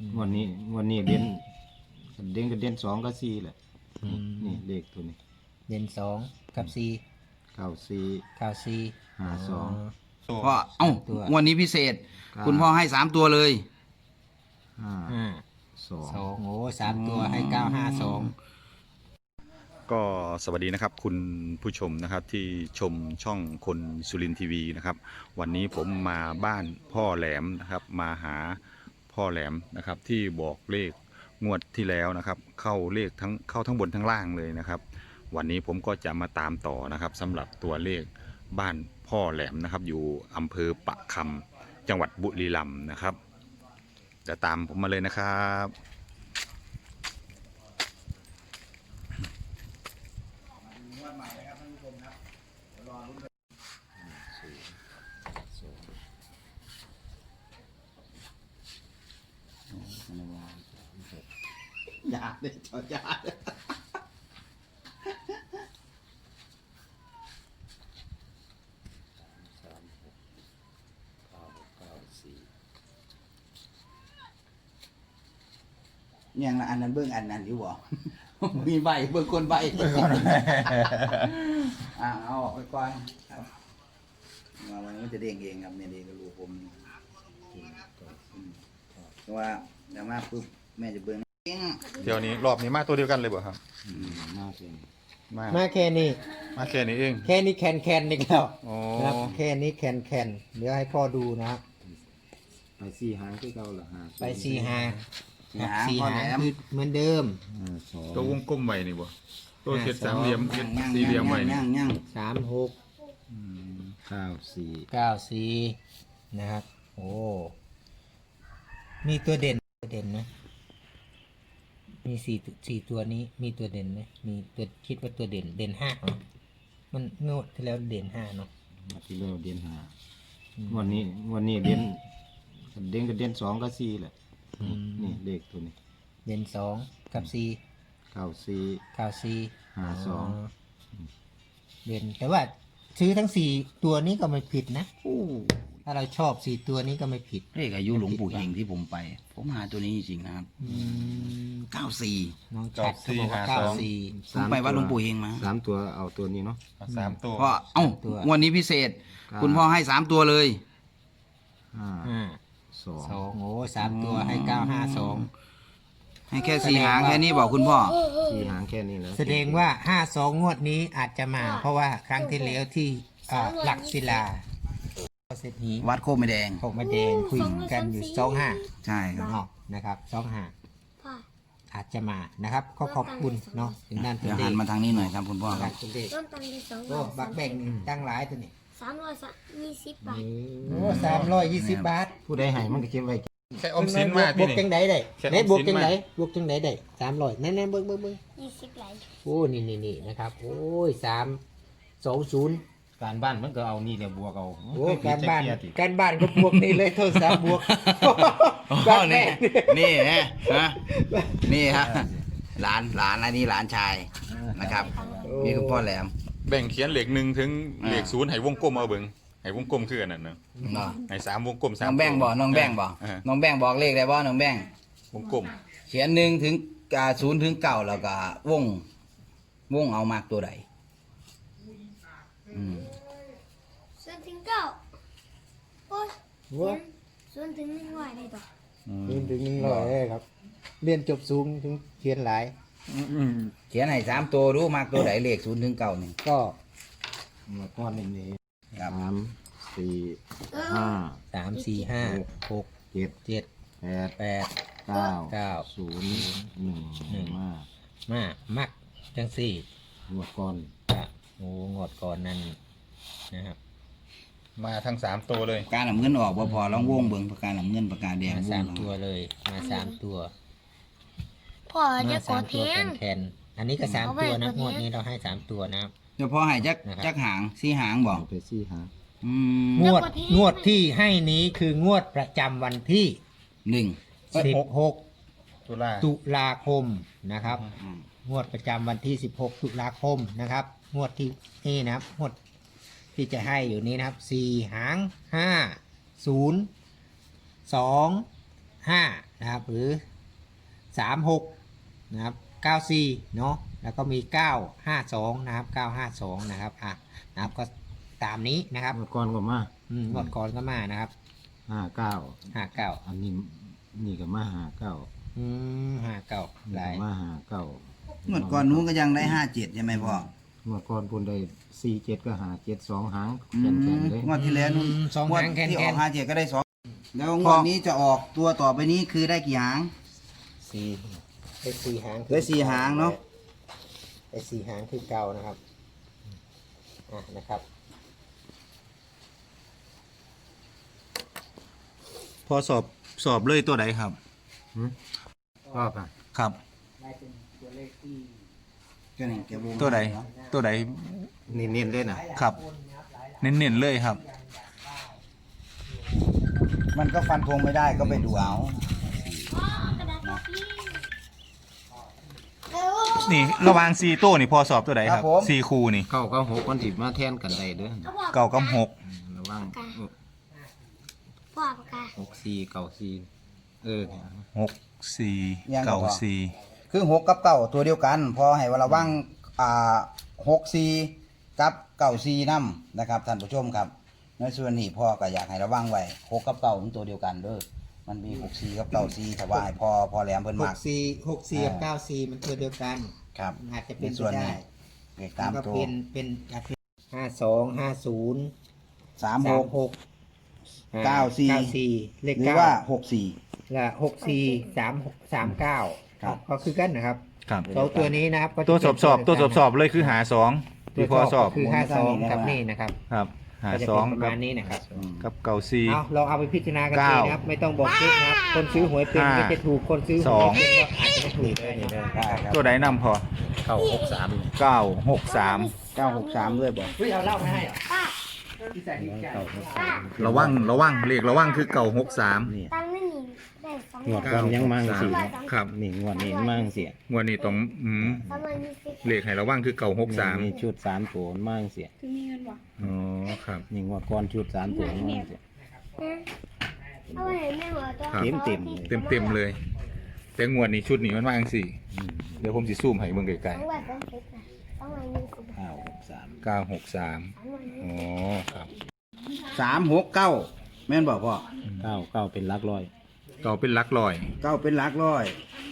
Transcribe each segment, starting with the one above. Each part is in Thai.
งวดนี้เด่นสองกับสี่แหละนี่เลขตัวนี้เด่นสองกับสี่ 94 52 พ่อวันนี้พิเศษ คุณพ่อให้3 ตัวเลย 52โอ้3 ตัวให้952 ก็สวัสดีนะครับคุณผู้ชมนะครับที่ชมช่องคนสุรินทร์ทีวีนะครับวันนี้ผมมาบ้านพ่อแหลมนะครับมาหาพ่อแหลมนะครับที่บอกเลขงวดที่แล้วนะครับเข้าทั้งบนทั้งล่างเลยนะครับวันนี้ผมก็จะมาตามต่อนะครับสำหรับตัวเลขบ้านพ่อแหลมนะครับอยู่อำเภอปะคำจังหวัดบุรีรัมย์นะครับจะตามผมมาเลยนะครับอย่าเลยจอดอย่าเลยยังละอันนั้นเบื้องอันนั้นอยู่บ่ มีใบเบื้องคนใบเอาออกไปก่อนครับมาวันนี้จะเด้งเองครับเนี่ยเด้งกระลูกผมเพราะว่าเดี๋ยวมาปุ๊บแม่จะเบื้องเดี๋ยวนี้รอบนี้มาตัวเดียวกันเลยบ่ครับมาแค่นี้มาแค่นี้มาแค่นี้เองแค่นี้แคนนี่แล้วอ๋อครับแค่นี้แคนเดี๋ยวให้พ่อดูนะครับไป4หางคือเก่าล่ะไป4 หางครับ 4 4 หาหางคือเหมือนเดิม 52 ตัววงกลมไว้นี่บ่ตัวเจ็ดสามเหลี่ยมเจ็ดสี่เหลี่ยมไว้นี่ย่าง 36 94 94นะครับโอ้มีตัวเด่นไหมมีสี่ตัวนี้มีตัวเด่นไหมมีตัวคิดว่าตัวเด่น5เหรอมันงวดที่แล้วเด่น5เนาะที่เราเด่น5งวดนี้เด่น2กับ4แหละนี่เลขตัวนี้เด่น2กับ4 94 52 เด่นแต่ว่าซื้อทั้ง4ตัวนี้ก็ไม่ผิดนะถ้าเราชอบ4ตัวนี้ก็ไม่ผิดเลขอายุหลวงปู่เฮงที่ผมไป ผมหาตัวนี้จริงๆนะครับ94 น้องชัดเขาบอกว่า94 ผมไปวัดหลวงปู่เฮงมา 3 ตัวเอาตัวนี้เนาะ 3 ตัวพ่อวันนี้พิเศษ คุณพ่อให้3 ตัวเลย 2 โอ้3 ตัวให้952 ให้แค่4 หางแค่นี้บอกคุณพ่อ 4หางแค่นี้แล้วแสดงว่า52งวดนี้อาจจะมา เพราะว่าครั้งที่แล้วที่หลักศิลาเศรษฐีวัดโคกไม่แดงพกมาแดงคุยกันอยู่25 ใช่ครับเนาะนะครับ25อาจจะมานะครับก็ขอบคุณเนาะถึงนั่นถึงเดี๋ยวเด็หักนมาทางนี้หน่อยครับคุณพ่อครับถึงเด็กต้นตันที่2 โอ้บักแบ่งตั้งหลายตัวนี่ 320 บาทโอ้320 บาทผู้ใดให้มันก็เก็บไว้แค่อมสินมาบที่วกจันี่งไดได้แค่ไหนบวกออมสิจันงมาไดบวกจังไดได้300แน่ๆเบิ่ง 20หลายโอ้นี่นะครับโอ้ย320 การบ้านมันก็เอานี่แหละบวกเอาโอ้การบ้านก็บวกนี่เลยโทรศัพท์บวกอ๋อนี่ฮะนี่ฮะหลานอันนี้หลานชายนะครับนี่คุณพ่อแหลมแบ่งเขียนเลข1ถึงเลข0ให้วงกลมเอาเบิ่งให้วงกลมคืออันนั้นเนาะเนาะให้3วงกลม3 น้องแบงค์บอกน้องแบงค์บอกเออน้องแบงค์บอกเลขได้บ่น้องแบงค์วงกลมเขียน1 ถึง0 ถึง 9แล้วก็วงเอามากตัวใดส่วนถึง9โอ้ยส่วนถึง100ได้ต่อถึง100เลยครับ เรียนจบสูงถึงเขียนหลายเขียนให้3 ตัวรู้มากตัวใดเลข0 ถึง 9นี่ก็มาก้อนนี้ครับ 3 4 5 3 4 5 6 7 7 8 8 9 9 0 1มามักจังสี่งวดก่อนโอ้งอดก่อนนั่นนะครับมาทั้ง3ตัวเลยปากกาหนำเงินออกบ่พอลองวงเบิ่งปากกาหนำเงินปากกาแดงมาวง 3 ตัวเลยมา3 ตัวพ่อจะกดตัวแพงแคนอันนี้ก็3 ตัวนะงวดนี้เราให้3 ตัวนะครับเฉพาะให้จักหาง4 หางบอกเอาไป4หางงวดที่ให้นี้คืองวดประจำวันที่ 16 ตุลาคมนะครับ งวดประจำวันที่16 ตุลาคมนะครับงวดที่นี่นะครับงวดที่จะให้อยู่นี้นะครับ4 หาง 5 0 2 5 นะครับ หรือ36นะครับ94เนาะแล้วก็มี952นะครับ952นะครับนะครับก็ตามนี้นะครับเมื่อก่อนก็มางวดก่อนก็มานะครับ 59 59 อันนี้นี่ก็มา59 59หลายมา59 งวดก่อนนู้นก็ยังได้57ใช่ไหมพ่อเมื่อก่อนพุ่นได้47ก็57 2หางอืแข็งมๆเลยงวดที่แล้วนู้นสองงวดหางแค่นที่ออก57ก็ได้2แล้วงพ่วอดนี้จะออกตัวต่อไปนี้คือได้กี่หางได้สี่หางได้สี่หางเนาะได้สี่หางคือเก่านะครับนะครับพอสอบเลยตัวใดครับชอบอ่ะครับก็นี่แกวงตัวใดตัวใดเน้นๆเลยน่ะครับ เน้นๆเลยครับมันก็ฟันธงไม่ได้ก็ไปดูเอากระดาษกาแฟเออนี่ระหวาง4โต้นี่พอสอบตัวใดครับ4คู่นี่เก้าก็6คนสิมาแทนกันได้เด้อเอาบอกเก้ากับ6 ระวังบอกปากกา 64 94เนี่ย 6 4 9 4 คือ6กับ9ตัวเดียวกัน พอให้ระวัง64กับ94นำนะครับท่านผู้ชมครับในส่วนนี้พ่อก็อยากให้ระวังไว้6กับ9มันตัวเดียวกันเด้อมันมี64กับ94ถ้าว่าให้พ่อแหลมเพิ่นมัก 64กับ94มันตัวเดียวกันครับอาจจะเป็นในส่วนไปนี้ได้เลขตามก็ตัวเป็นอาจจะ52 50 36 94เลขหรือเก้าว่าและ64 39ก็คือกันนะครับครับสองตัวนี้นะครับก็จะตัวเป็นสอบเลยคือหา2ที่พอสอบคือ52กับนี่นะครับครับหาก็จะเป็นประ 2กัมาบณนี้นะครับกับเก่า4 เอาลองเอาไปพิจารณากันเก้าดีนะครับไม่ต้องบอกเจ๊นะครับคนซื้อหวยเป็นห้าก็จะถูกคนซื้อหวยไม่เป็นก็อาจจะไม่ถูกเลยนะครับได้ครับตัวใดนำพอ 963 963 963ด้วยบ่เฮ้ยเอาเหล้ามาให้เหรอป้าที่ใส่ดีใจระวังเลขระวังคือ963 นี่ตังค์ไม่มีได้สองงวดก่อนยังมั่งสิครับนี่งวดนี้มั่งสิงวดนี้ต้องประมาณ20 เลขให้ระวังคือ963 นี่ชุด3ตัวมั่งสิอ๋อครับนี่งวดก่อนชุด3ตัวมั่งสิเอาไว้ให้แม่หัวตัวครับเต็มเต็มเลย แต่งวดนี้ชุดนี้มันมาจังสี่เดี๋ยวผมสิซูมให้เบิ่งไกลต้องไว้เป็นเพชรนะต้องไว้20 963 ๆ963อ๋อครับ 369แม่นบ่พ่อ 9เป็นหลักร้อยเก่าเป็นหลักร้อย 9เป็นหลักร้อย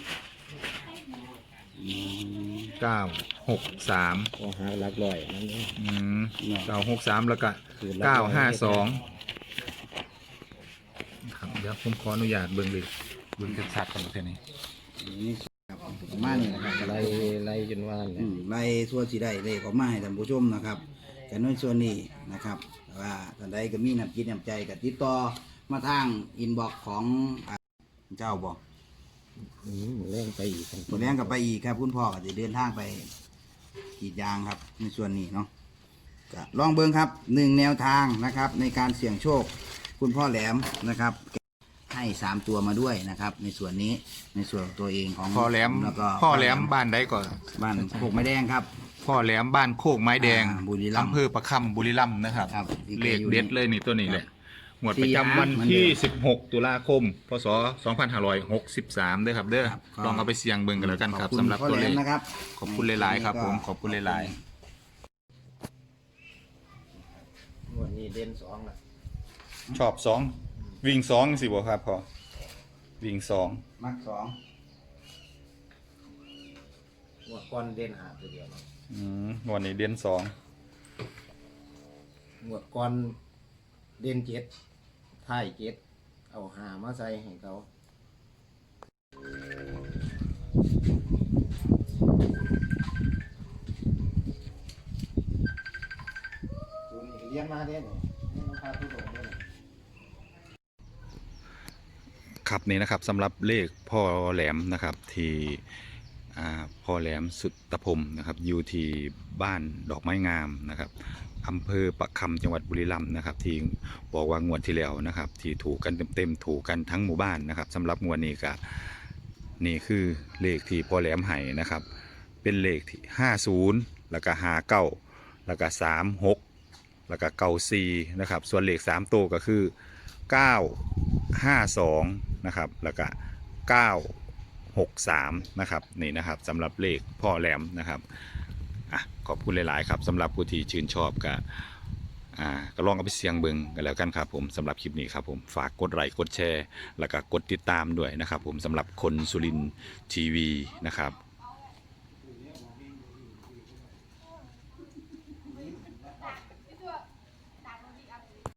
963 ก็หาหลักร้อยนั่นเอง 963แล้วก็952ครับเดี๋ยวผมขออนุญาตเบิ่งเลยเบิ่งชัดๆก่อนประเทศนี้นี่ครับประมาณนี้นะครับไล่จนว่าเนี่ยไล่ส่วนสิได้เลขออกมาให้ท่านผู้ชมนะครับแต่ในส่วนนี้นะครับว่าท่านใดก็มีน้ำจิตน้ำใจก็ติดต่อมาทางอินบ็อกซ์ของเจ้าบ่เล่นไปอีกตัวแรงกับไปอีกครับคุณพ่อก็จะเดินทางไปกรีดยางครับในส่วนนี้เนาะก็ลองเบิ่งครับ1แนวทางนะครับ ในการเสี่ยงโชค คุณพ่อแหลมนะครับให้3ตัวมาด้วยนะครับ ในส่วนนี้ในส่วนตัวเองของพ่อแหลมแล้วก็พ่อแหลมบ้านใดก่อนบ้านโคกไม้แดงครับพ่อแหลมบ้านโคกไม้แดงบุรีรัมย์อำเภอประคำบุรีรัมย์นะครับครับเลขเด็ดเลยนี่ตัวนี้แหละหมวดสี่ประจำวันหางที่เหมือนเดิม 16 ตุลาคม พศ 2563เด้อครับเด้อครับลองเอาไปเสี่ยงเบิ่งกันแล้วกันครับขอณสำหรับพ่อตัวแหลเลมขนะครับขอบคุณหลายๆครับผมขอบคุณหลายงวดนี้เด่น2ล่ะๆชอบ2วิ่ง2สิบ่ครับพ่อวิ่ง2 มัก2 งวดก่อนเด่นหาตัวเดียวเนาะวันนี้เด่น2 งวดก่อนเด่น7ท้าย7เอาหามาใส่ให้เขาเลี้ยงมาเด้เนี่ยนี่น้องพาทุกคนเนี่ยครับนี่นะครับสำหรับเลขพ่อแหลมนะครับที่พ่อแหลมสุตตพรมนะครับอยู่ที่บ้านดอกไม้งามนะครับอำเภอปะคำจังหวัดบุรีรัมย์นะครับที่บอกว่างวดที่แล้วนะครับที่ถูกกันเต็มๆถูกกันทั้งหมู่บ้านนะครับสำหรับงวดนี้ก็นี่คือเลขที่พ่อแหลมให้นะครับเป็นเลขที่50แล้วก็59แล้วก็36แล้วก็94นะครับส่วนเลข3ตัวก็คือ952นะครับแล้วก็ 963นะครับนี่นะครับสำหรับเลขพ่อแหลมนะครับขอบคุณหลายๆครับสำหรับผู้ที่ชื่นชอบก็ลองเอาไปเสี่ยงเบิ่งกันแล้วกันครับผมสำหรับคลิปนี้ครับผมฝากกดไลค์กดแชร์แล้วก็กดติดตามด้วยนะครับผมสำหรับคนสุรินทร์ทีวีนะครับ